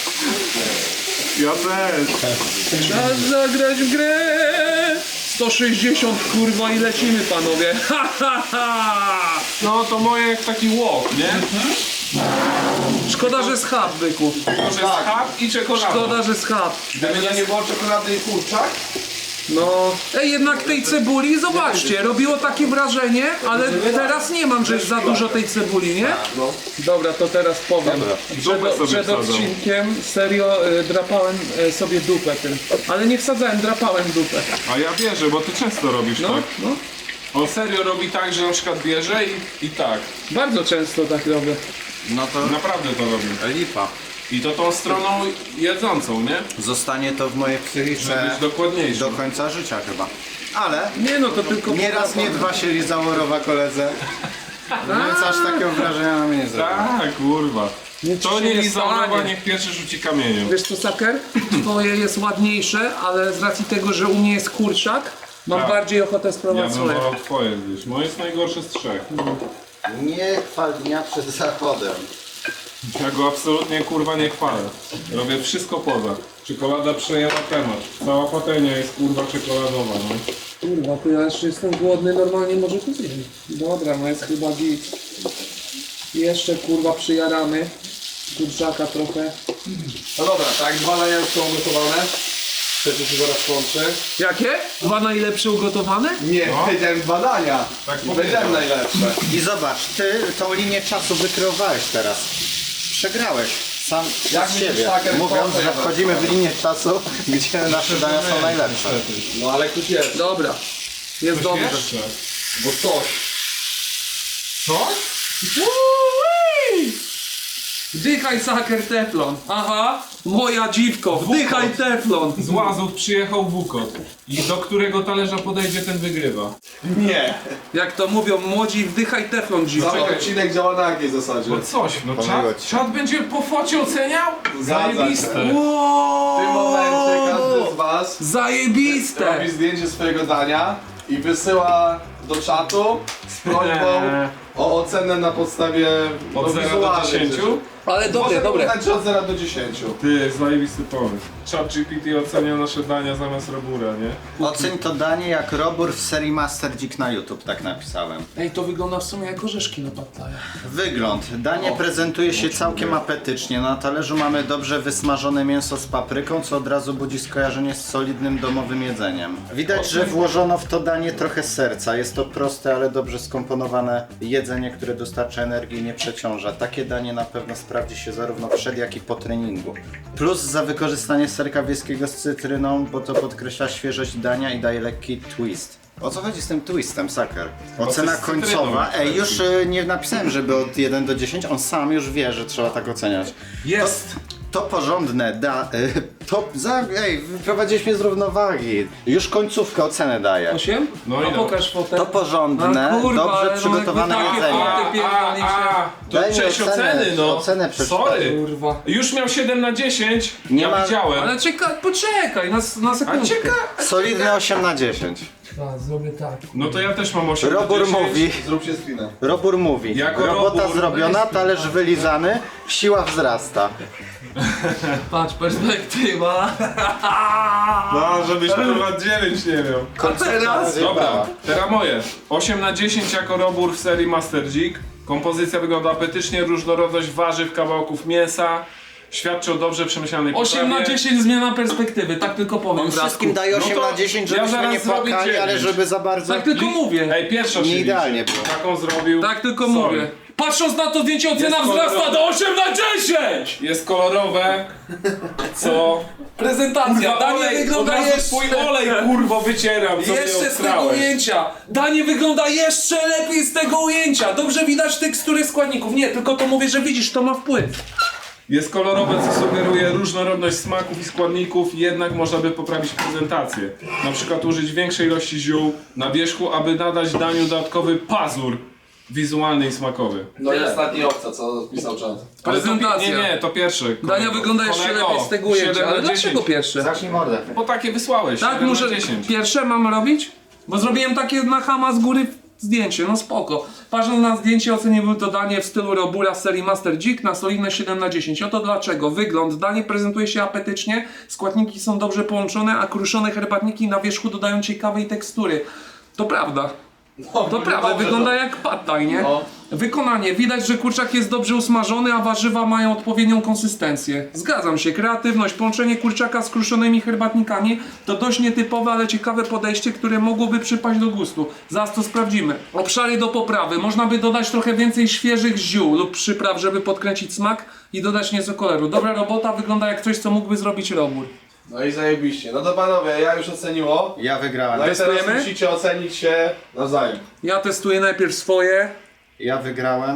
Speaker 3: Ja też.
Speaker 4: Czas zagrać w grę! sto sześćdziesiąt kurwa i lecimy panowie. Ha, ha, ha.
Speaker 3: No to moje jak taki łok, nie?
Speaker 4: Szkoda, że z chab, byku.
Speaker 3: To jest chleb i czekolada.
Speaker 4: Szkoda, że z chab.
Speaker 1: Gdyby to nie było czekolady i kurczak,
Speaker 4: No, ej, jednak tej cebuli, zobaczcie, robiło takie wrażenie, ale teraz nie mam, że jest za dużo tej cebuli, nie?
Speaker 1: no.
Speaker 4: Dobra, to teraz powiem.
Speaker 3: Dupę
Speaker 4: Przed,
Speaker 3: sobie
Speaker 4: przed
Speaker 3: wsadzał.
Speaker 4: odcinkiem serio y, drapałem y, sobie dupę tym. Ale nie wsadzałem, drapałem dupę.
Speaker 3: A ja wierzę, bo ty często robisz
Speaker 4: No,
Speaker 3: tak.
Speaker 4: no.
Speaker 3: On serio robi tak, że na przykład bierze i, i tak.
Speaker 4: Bardzo często tak robię.
Speaker 5: No to
Speaker 3: Naprawdę to robi.
Speaker 5: lipa.
Speaker 3: I to tą stroną jedzącą, nie?
Speaker 5: Zostanie to w mojej
Speaker 3: Żeby
Speaker 5: psychice
Speaker 3: być dokładniejszy.
Speaker 5: do końca życia chyba. Ale
Speaker 4: Nie no, to tylko...
Speaker 5: nie raz, nie dwa się lizało rowa koledze. Więc aż takiego wrażenia na mnie nie zrobiło.
Speaker 3: Tak, kurwa.
Speaker 4: Nic
Speaker 3: To
Speaker 4: się
Speaker 3: nie
Speaker 4: nie
Speaker 3: Lizaurowa,
Speaker 4: stanie.
Speaker 3: niech pierwszy rzuci kamieniem.
Speaker 4: Wiesz co, Saker? Twoje jest ładniejsze, ale z racji tego, że u mnie jest kurczak, mam
Speaker 3: Tak.
Speaker 4: bardziej ochotę
Speaker 3: Ja
Speaker 4: spróbować
Speaker 3: bym
Speaker 4: swoje.
Speaker 3: wolał twoje gdzieś. Moje jest najgorsze z trzech.
Speaker 5: Nie chwal dnia przed zachodem.
Speaker 3: Ja go absolutnie kurwa nie chwalę. Robię wszystko poza. Czekolada przejęła temat. Cała patelnia jest kurwa czekoladowa, no.
Speaker 4: Kurwa, to ja jeszcze jestem głodny, normalnie może to zjeść. Dobra, no jest chyba git. Jeszcze kurwa przyjaramy. Kurczaka trochę.
Speaker 1: No dobra, tak, dwa dania już są ugotowane. Trzecie się zaraz kończy.
Speaker 4: Jakie? Dwa najlepsze ugotowane?
Speaker 1: Nie, powiedziałem dwa dania.
Speaker 3: Tak
Speaker 1: I
Speaker 3: powiedział.
Speaker 1: powiedziałem najlepsze.
Speaker 5: I zobacz, ty tą linię czasu wykreowałeś teraz. Przegrałeś sam
Speaker 1: Jak
Speaker 5: z
Speaker 1: myślisz,
Speaker 5: siebie,
Speaker 1: Saker,
Speaker 5: mówiąc,
Speaker 1: to
Speaker 5: że
Speaker 1: ja
Speaker 5: wchodzimy w linię czasu, gdzie nasze dania są najlepsze.
Speaker 1: No ale ktoś jest.
Speaker 4: Dobra. Jest dobrze.
Speaker 3: Jeszcze.
Speaker 1: Bo coś.
Speaker 3: Co?
Speaker 4: Wdychaj Saker teflon. Aha, moja dziwko, wdychaj teflon.
Speaker 3: Z Łazów przyjechał Wukot. I do którego talerza podejdzie, ten wygrywa.
Speaker 1: Nie.
Speaker 4: Jak to mówią młodzi, wdychaj teflon dziwko.
Speaker 1: Cały odcinek działa na jakiej zasadzie?
Speaker 3: No coś, no
Speaker 5: Pomyliło
Speaker 3: czat,
Speaker 5: ci.
Speaker 3: czat będzie po focie oceniał?
Speaker 1: Zgadza się.
Speaker 3: Zajebiste.
Speaker 1: W tym momencie każdy z was
Speaker 4: Zajebiste!
Speaker 1: robi zdjęcie swojego dania i wysyła do czatu z prośbą o ocenę na podstawie no,
Speaker 3: Od zera do
Speaker 1: wizualnych
Speaker 3: dziesięciu?
Speaker 1: rzeczy.
Speaker 4: Ale dobre,
Speaker 1: Może
Speaker 4: dobre.
Speaker 1: uznać, że od zera do dziesięciu.
Speaker 3: Ty, zajebisty pomysł. Chat G P T ocenia nasze dania zamiast Robura, nie?
Speaker 5: Oceń to danie jak robór w serii Master Dzik na YouTube, tak napisałem.
Speaker 4: Ej, to wygląda w sumie jak orzeszki na pattaja.
Speaker 5: Wygląd. Danie prezentuje się całkiem apetycznie. Na talerzu mamy dobrze wysmażone mięso z papryką, co od razu budzi skojarzenie z solidnym domowym jedzeniem. Widać, że włożono w to danie trochę serca. Jest to proste, ale dobrze skomponowane jedzenie, które dostarcza energii i nie przeciąża. Takie danie na pewno sprawdzi się zarówno przed, jak i po treningu. Plus za wykorzystanie serka wieskiego z cytryną, bo to podkreśla świeżość dania i daje lekki twist. O co chodzi z tym twistem, Saker? Ocena
Speaker 3: z cytryną.
Speaker 5: końcowa. Ej, już y, nie napisałem, żeby od jeden do dziesięciu. On sam już wie, że trzeba tak oceniać.
Speaker 3: Jest!
Speaker 5: To porządne, da... Y, to... Za, ej, wyprowadziłeś mnie z równowagi. Już końcówkę ocenę daję.
Speaker 4: Osiem?
Speaker 3: No i
Speaker 4: A
Speaker 3: no.
Speaker 4: pokaż fotę.
Speaker 5: To porządne,
Speaker 4: A kurwa, ale
Speaker 5: dobrze
Speaker 4: no
Speaker 5: przygotowane
Speaker 4: jakby takie
Speaker 5: jedzenie.
Speaker 4: foty-
Speaker 3: A, a, a, to
Speaker 5: Daj mi
Speaker 3: część
Speaker 5: ocenę,
Speaker 3: oceny, no.
Speaker 5: ocenę przeczytaj.
Speaker 3: Sorry.
Speaker 4: Kurwa.
Speaker 3: Już miał siedem na dziesięć.
Speaker 5: Nie
Speaker 3: ja
Speaker 5: ma-
Speaker 3: widziałem.
Speaker 4: Ale czekaj, poczekaj, na, na
Speaker 3: A
Speaker 4: sekundkę.
Speaker 3: cieka...
Speaker 5: Solidne osiem na dziesięć.
Speaker 4: A, zrobię tak.
Speaker 3: No to ja też mam osiem
Speaker 5: Robór
Speaker 3: na dziesięć.
Speaker 5: mówi,
Speaker 1: Zróbcie screena.
Speaker 5: Robór mówi.
Speaker 3: Jako
Speaker 5: Robota
Speaker 3: robór,
Speaker 5: zrobiona,
Speaker 3: weź-
Speaker 5: talerz wylizany, siła wzrasta.
Speaker 4: Patrz, perspektywa.
Speaker 3: No, żebyś kurwa dziewięć nie miał.
Speaker 4: A teraz?
Speaker 3: Dobra, teraz moje. osiem na dziesięć jako robór w serii Master Dzik. Kompozycja wygląda apetycznie, różnorodność warzyw, kawałków mięsa. Świadczy o dobrze przemyślanej
Speaker 4: osiem na
Speaker 3: potrawie.
Speaker 4: dziesięć zmiana perspektywy, tak tylko powiem.
Speaker 5: On wszystkim daje
Speaker 3: No
Speaker 5: osiem
Speaker 3: to
Speaker 5: na dziesięć,
Speaker 3: ja
Speaker 5: żebyśmy
Speaker 3: zaraz
Speaker 5: nie
Speaker 3: zrobię
Speaker 5: płakali, ale
Speaker 3: dziewięć.
Speaker 5: żeby za bardzo...
Speaker 4: Tak tylko mówię.
Speaker 3: Ej, pierwsza
Speaker 5: Nie
Speaker 3: się
Speaker 5: idealnie
Speaker 3: liczy.
Speaker 5: było.
Speaker 3: Taką zrobił.
Speaker 4: Tak tylko
Speaker 3: Sorry.
Speaker 4: mówię. Patrząc na to zdjęcie, ocena
Speaker 3: Jest
Speaker 4: wzrasta
Speaker 3: kolorowe.
Speaker 4: do osiem na dziesięć!
Speaker 3: Jest kolorowe, co...
Speaker 4: Prezentacja, danie
Speaker 3: olej, od
Speaker 4: wygląda
Speaker 3: razu
Speaker 4: jeszcze...
Speaker 3: swój olej kurwo wycieram, co
Speaker 4: Jeszcze
Speaker 3: mnie
Speaker 4: z tego
Speaker 3: obstrałeś.
Speaker 4: ujęcia! Danie wygląda jeszcze lepiej z tego ujęcia! Dobrze widać tekstury składników. Nie, tylko to mówię, że widzisz, to ma wpływ.
Speaker 3: Jest kolorowe, co sugeruje różnorodność smaków i składników, jednak można by poprawić prezentację. Na przykład użyć większej ilości ziół na wierzchu, aby nadać daniu dodatkowy pazur wizualny i smakowy.
Speaker 1: No i ostatni obca, co pisał czat.
Speaker 3: Ale to pi-
Speaker 4: Prezentacja.
Speaker 3: Nie, nie, to pierwsze.
Speaker 4: Dania
Speaker 3: kolego.
Speaker 4: wygląda jeszcze
Speaker 3: Kolego,
Speaker 4: lepiej z tego ujęcia.
Speaker 3: siedem
Speaker 4: Ale
Speaker 3: na
Speaker 4: dlaczego
Speaker 3: dziesięć.
Speaker 4: pierwsze?
Speaker 5: Zacznij mordę.
Speaker 3: Bo takie wysłałeś,
Speaker 4: Tak,
Speaker 3: siedem
Speaker 4: muszę.
Speaker 3: na dziesięć.
Speaker 4: Pierwsze mam robić? Bo zrobiłem takie na chama z góry zdjęcie, no spoko. Patrząc na zdjęcie oceniłbym to danie w stylu Robura z serii Master Dzik na solidne siedem na dziesięć. Oto dlaczego. Wygląd. Danie prezentuje się apetycznie, składniki są dobrze połączone, a kruszone herbatniki na wierzchu dodają ciekawej tekstury. To prawda.
Speaker 1: No,
Speaker 4: To prawda, wygląda jak pad thai, nie?
Speaker 1: No.
Speaker 4: Wykonanie. Widać, że kurczak jest dobrze usmażony, a warzywa mają odpowiednią konsystencję. Zgadzam się. Kreatywność, połączenie kurczaka z kruszonymi herbatnikami to dość nietypowe, ale ciekawe podejście, które mogłoby przypaść do gustu. Zaraz to sprawdzimy. Obszary do poprawy. Można by dodać trochę więcej świeżych ziół lub przypraw, żeby podkręcić smak i dodać nieco koloru. Dobra robota, wygląda jak coś, co mógłby zrobić robór.
Speaker 1: No i zajebiście. No to panowie, ja już oceniło.
Speaker 5: Ja wygrałem.
Speaker 1: No i teraz
Speaker 4: Testujemy?
Speaker 1: musicie ocenić się nawzajem.
Speaker 4: Ja testuję najpierw swoje.
Speaker 5: Ja wygrałem.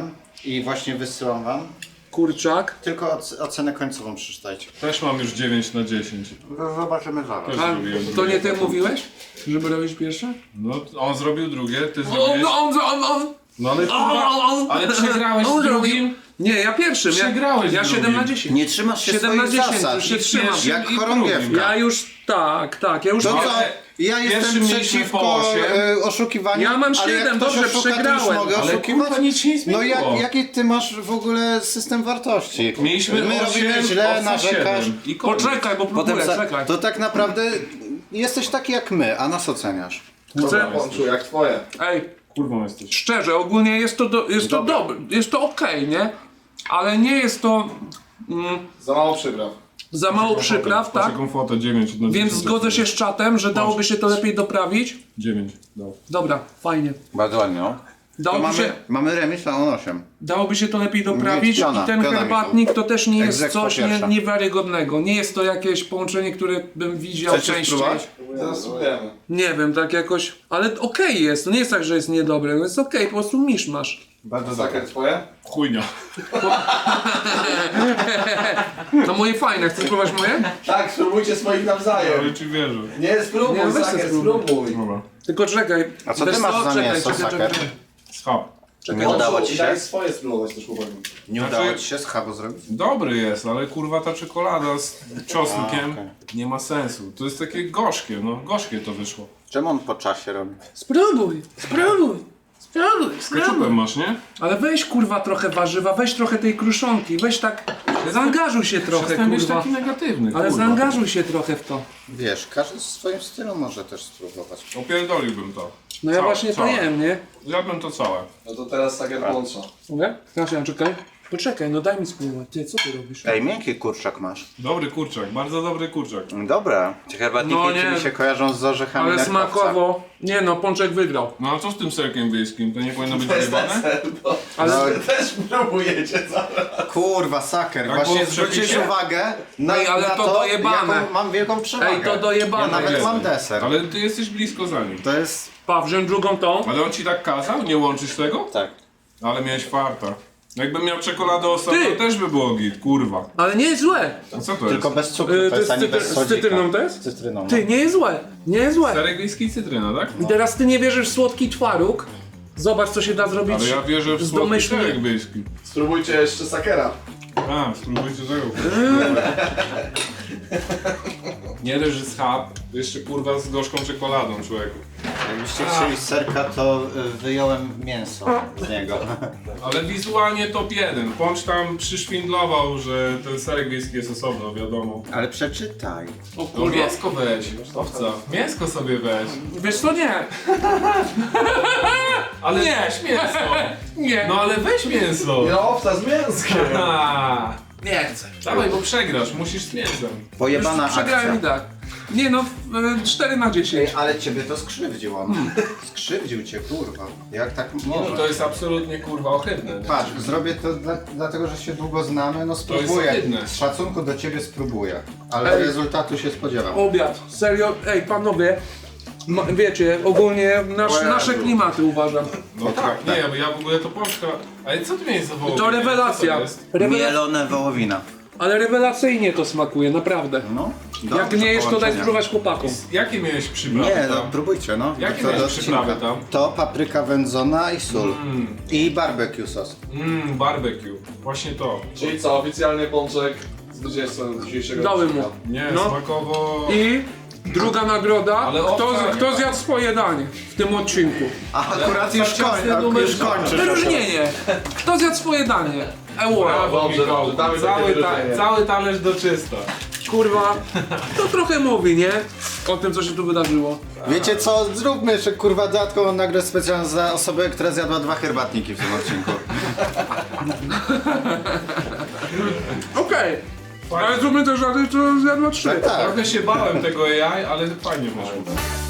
Speaker 5: I właśnie wysyłam wam.
Speaker 4: Kurczak.
Speaker 5: Tylko oc- ocenę końcową przeczytajcie.
Speaker 3: Też mam już dziewięć na dziesięć.
Speaker 5: Zobaczymy zaraz.
Speaker 3: Też
Speaker 4: A
Speaker 3: zrobiłem
Speaker 4: to
Speaker 3: drugie.
Speaker 4: nie ty mówiłeś, żeby robić pierwsze?
Speaker 3: No, on zrobił drugie, ty
Speaker 4: On,
Speaker 3: zrobiłeś...
Speaker 4: on, on, on.
Speaker 3: No ale kurwa, ale przegrałeś
Speaker 4: On
Speaker 3: z
Speaker 4: zrobił.
Speaker 3: drugim.
Speaker 4: Nie, ja pierwszym. Ja,
Speaker 3: Przegrałeś
Speaker 4: ja
Speaker 3: z
Speaker 4: siedem
Speaker 3: drugim.
Speaker 4: na dziesięć.
Speaker 5: Nie trzymasz się
Speaker 4: siedem na
Speaker 5: swoich
Speaker 4: dziesięć,
Speaker 5: zasad.
Speaker 4: już się
Speaker 3: I
Speaker 4: trzymam.
Speaker 3: pierwszy-
Speaker 5: Jak
Speaker 3: i
Speaker 5: chorągiewka.
Speaker 3: drugim.
Speaker 4: Ja już tak, tak, ja już
Speaker 5: To
Speaker 4: nie-
Speaker 5: co? Ja
Speaker 3: Pierwszym
Speaker 5: jestem
Speaker 3: mieliśmy
Speaker 5: przeciwko
Speaker 3: po osiem.
Speaker 5: e, oszukiwaniu.
Speaker 4: Ja mam
Speaker 5: ale jak
Speaker 4: siedem,
Speaker 5: ktoś
Speaker 4: dobrze,
Speaker 5: oszuka, to już
Speaker 4: przegrałem.
Speaker 5: mogę
Speaker 3: Ale
Speaker 5: oszukiwać?
Speaker 3: kurwa nic się nie zmieniło.
Speaker 5: No jak, jaki ty masz w ogóle system wartości?
Speaker 3: Mieliśmy
Speaker 5: My
Speaker 3: osiem,
Speaker 5: robimy źle,
Speaker 3: owca
Speaker 5: narzekasz.
Speaker 3: siedem. I koniec.
Speaker 4: Poczekaj, bo
Speaker 5: Potem
Speaker 4: próbuję,
Speaker 5: za,
Speaker 4: czekaj.
Speaker 5: to tak naprawdę jesteś taki jak my, a nas oceniasz.
Speaker 1: Dobra, Pączu, jak twoje?
Speaker 4: Ej,
Speaker 3: Kurwą jesteś.
Speaker 4: szczerze, ogólnie jest to, do, jest to
Speaker 5: Dobra.
Speaker 4: dobre, jest to okej, nie? Ale nie jest to mm,
Speaker 1: Za mało przypraw.
Speaker 4: za mało przypraw, tak?
Speaker 3: Taką fotę dziewięć na
Speaker 4: Więc
Speaker 3: dziesięć.
Speaker 4: zgodzę się z czatem, że dałoby się to lepiej doprawić.
Speaker 3: dziewięć dał.
Speaker 4: Dobra, fajnie.
Speaker 5: Bardzo ładnie, no. To
Speaker 4: Dałoby
Speaker 5: mamy,
Speaker 4: się,
Speaker 5: mamy remis, a on osiem.
Speaker 4: dałoby się to lepiej doprawić
Speaker 5: piona,
Speaker 4: i ten
Speaker 5: piona,
Speaker 4: herbatnik to też nie jest
Speaker 5: Egzekwo
Speaker 4: coś nie,
Speaker 5: pierwsza.
Speaker 4: niewiarygodnego. Nie jest to jakieś połączenie, które bym widział
Speaker 5: Chcecie
Speaker 4: częściej.
Speaker 5: spróbować?
Speaker 1: Zaraz spróbujemy.
Speaker 4: Nie wiem, tak jakoś, ale okej jest, to nie jest tak, że jest niedobre, to jest okej, po prostu misz masz.
Speaker 5: Bardzo
Speaker 1: Saker, twoje?
Speaker 3: Chujnia.
Speaker 4: No moje fajne, chcesz spróbować moje?
Speaker 1: Tak, spróbujcie swoich nawzajem.
Speaker 3: Ale ci wierzę.
Speaker 1: Nie, spróbuj,
Speaker 4: Nie, weź
Speaker 1: Saker,
Speaker 4: se spróbuj.
Speaker 1: spróbuj.
Speaker 3: Dobra.
Speaker 4: Tylko czekaj.
Speaker 5: A co
Speaker 4: Wiesz
Speaker 5: ty masz za
Speaker 4: Czekaj,
Speaker 5: mięso,
Speaker 4: czekaj,
Speaker 5: Saker?
Speaker 4: czekaj.
Speaker 3: Schab.
Speaker 4: Czekaj,
Speaker 5: Nie udało
Speaker 1: Pączu,
Speaker 5: ci się?
Speaker 1: daj swoje spróbować też chłopaki.
Speaker 5: Nie
Speaker 3: Znaczy-
Speaker 5: udało ci się schabu zrobić?
Speaker 3: Dobry jest, ale kurwa ta czekolada z czosnkiem
Speaker 5: A, okej.
Speaker 3: nie ma sensu. To jest takie gorzkie, no gorzkie to wyszło.
Speaker 5: Czemu on po czasie robi?
Speaker 4: Spróbuj, spróbuj, spróbuj,
Speaker 3: Z ketchupem
Speaker 4: spróbuj.
Speaker 3: masz, nie?
Speaker 4: Ale weź kurwa trochę warzywa, weź trochę tej kruszonki, weź tak, zaangażuj się trochę
Speaker 3: Przestań być
Speaker 4: kurwa.
Speaker 3: taki negatywny,
Speaker 4: Ale
Speaker 3: kurwa.
Speaker 4: zaangażuj się trochę w to.
Speaker 5: Wiesz, każdy w swoim stylu może też spróbować.
Speaker 3: Opierdoliłbym to.
Speaker 4: No ja
Speaker 3: Całe,
Speaker 4: właśnie to
Speaker 3: całe.
Speaker 4: jem, nie?
Speaker 3: Zjadłbym to całe.
Speaker 1: No to teraz Saker Pącza.
Speaker 4: Mogę? Kasia, czekaj. Poczekaj, no daj mi spróbować. Ty, co ty robisz?
Speaker 5: Ej, miękki kurczak masz.
Speaker 3: Dobry kurczak, bardzo dobry kurczak.
Speaker 5: Dobra. Te herbatniki
Speaker 4: No nie.
Speaker 5: mi się kojarzą z orzechami
Speaker 4: Ale
Speaker 5: nerkowca.
Speaker 4: smakowo. Nie no, Pączek wygrał.
Speaker 3: No a co z tym serkiem wiejskim? To nie powinno być
Speaker 1: To jest
Speaker 3: wyjebane?
Speaker 1: deser, bo
Speaker 4: Ale
Speaker 5: No,
Speaker 1: wy też próbujecie zaraz.
Speaker 5: kurwa, saker.
Speaker 3: Tak
Speaker 5: Właśnie
Speaker 3: było w
Speaker 5: zwróciłeś
Speaker 3: przepisie?
Speaker 5: uwagę na,
Speaker 4: Ej, ale
Speaker 5: na
Speaker 4: to
Speaker 5: to,
Speaker 4: dojebane.
Speaker 5: jaką mam wielką przewagę.
Speaker 4: Ej, to dojebane
Speaker 5: Ja nawet
Speaker 4: jest.
Speaker 5: mam deser.
Speaker 3: Ale ty jesteś blisko za nim.
Speaker 5: To jest...
Speaker 4: pa, wziąć drugą tą.
Speaker 3: Ale on ci tak kazał nie łączyć tego?
Speaker 5: Tak.
Speaker 3: Ale miałeś farta. Jakbym miał czekoladę osobno,
Speaker 4: Ty!
Speaker 3: też by było git, kurwa.
Speaker 4: Ale nie jest złe.
Speaker 3: A co to
Speaker 5: Tylko
Speaker 3: jest?
Speaker 5: bez cukru,
Speaker 4: Yy,
Speaker 5: to jest ani
Speaker 4: cytry-
Speaker 5: bez
Speaker 4: z
Speaker 5: sodzika.
Speaker 4: cytryną to jest?
Speaker 5: Z cytryną, no.
Speaker 4: Ty, nie jest złe. Nie jest złe.
Speaker 3: Serek wiejski i cytryna, tak?
Speaker 4: I teraz ty nie wierzysz w słodki twaróg. Zobacz, co się da zrobić
Speaker 3: Ale ja wierzę w
Speaker 4: z
Speaker 3: słodki
Speaker 4: domyślnie.
Speaker 3: serek wiejski.
Speaker 1: Spróbujcie jeszcze Sakera.
Speaker 3: A, spróbujcie tego. Nie leży z chab, jeszcze kurwa z gorzką czekoladą, człowieku.
Speaker 5: Jakbyście chcieli serka, to y, wyjąłem mięso z niego.
Speaker 3: Ale wizualnie top jeden. Pącz tam przyszwindlował, że ten serek wiejski jest osobno, wiadomo.
Speaker 5: Ale przeczytaj.
Speaker 4: O
Speaker 3: No
Speaker 4: kurwa.
Speaker 3: mięsko weź, owca. Mięsko sobie weź.
Speaker 4: Wiesz co, nie.
Speaker 3: Ale
Speaker 4: Nie.
Speaker 3: weź mięso.
Speaker 4: Nie.
Speaker 3: No ale weź mięso.
Speaker 1: No owca z mięskiem.
Speaker 3: A,
Speaker 4: Nie chcę.
Speaker 3: dawaj, bo przegrasz, musisz z mięsem.
Speaker 5: Pojebana
Speaker 4: Już przegrałem
Speaker 5: akcja.
Speaker 4: i tak. Nie no, e, cztery na dziesięć.
Speaker 5: Ej, ale ciebie to skrzywdziło. Skrzywdził cię, kurwa. Jak tak
Speaker 3: No
Speaker 5: może?
Speaker 3: to jest absolutnie kurwa ohydne. nie?
Speaker 5: Patrz, zrobię to dla, dlatego, że się długo znamy, no spróbuję.
Speaker 3: ohydne.
Speaker 5: Z szacunku do ciebie spróbuję. Ale
Speaker 4: Ej.
Speaker 5: rezultatu się spodziewam.
Speaker 4: Obiad. Serio, ej panowie. Ma, wiecie, ogólnie nasz,
Speaker 5: Jezu.
Speaker 4: nasze klimaty uważam.
Speaker 3: No tak, nie, bo ja w ogóle to pączka... Ale co ty miałeś za wołowinę?
Speaker 4: To rewelacja.
Speaker 3: Co to jest?
Speaker 4: Rewela
Speaker 5: Mielone wołowina.
Speaker 4: ale rewelacyjnie to smakuje, naprawdę.
Speaker 5: No,
Speaker 4: Jak
Speaker 5: dobrze,
Speaker 4: nie jest, to daj
Speaker 5: połączenia.
Speaker 4: spróbować chłopakom.
Speaker 3: Jakie miałeś przyprawy
Speaker 5: Nie, no
Speaker 3: tam?
Speaker 5: próbujcie, no.
Speaker 3: Jakie
Speaker 5: To
Speaker 3: miałeś
Speaker 5: do
Speaker 3: przyprawy
Speaker 5: odcinka.
Speaker 3: tam?
Speaker 5: To papryka wędzona i sól. I barbecue sos.
Speaker 3: Mmm, barbecue. Właśnie to.
Speaker 1: Czyli co, oficjalny Pączek zwycięzcą dzisiejszego
Speaker 4: Dałem mu.
Speaker 1: odcinka.
Speaker 3: Nie,
Speaker 4: No.
Speaker 3: smakowo...
Speaker 4: I druga nagroda,
Speaker 3: Ale
Speaker 4: kto,
Speaker 3: owca nie
Speaker 4: kto
Speaker 3: ma.
Speaker 4: zjadł swoje danie w tym odcinku.
Speaker 5: A akurat już,
Speaker 3: ciasny
Speaker 5: koń,
Speaker 3: numer
Speaker 5: już
Speaker 3: dwa.
Speaker 5: kończysz.
Speaker 4: Wyróżnienie. Kto zjadł swoje danie? Euro.
Speaker 3: Brawo,
Speaker 1: Dobrze,
Speaker 3: Michał.
Speaker 1: dobrze, damy takie
Speaker 3: cały, ta,
Speaker 1: wyróżnienie.
Speaker 3: cały talerz do czysta.
Speaker 4: Kurwa, to trochę mówi, nie? O tym, co się tu wydarzyło.
Speaker 5: Wiecie co, zróbmy jeszcze kurwa dodatkową nagrodę specjalną za osobę, która zjadła dwa herbatniki w tym odcinku.
Speaker 4: Okej. Ale zróbmy też żarty, co zjadła trzy.
Speaker 5: Tak, tak.
Speaker 3: Trochę się bałem tego A I, ale fajnie wyszło.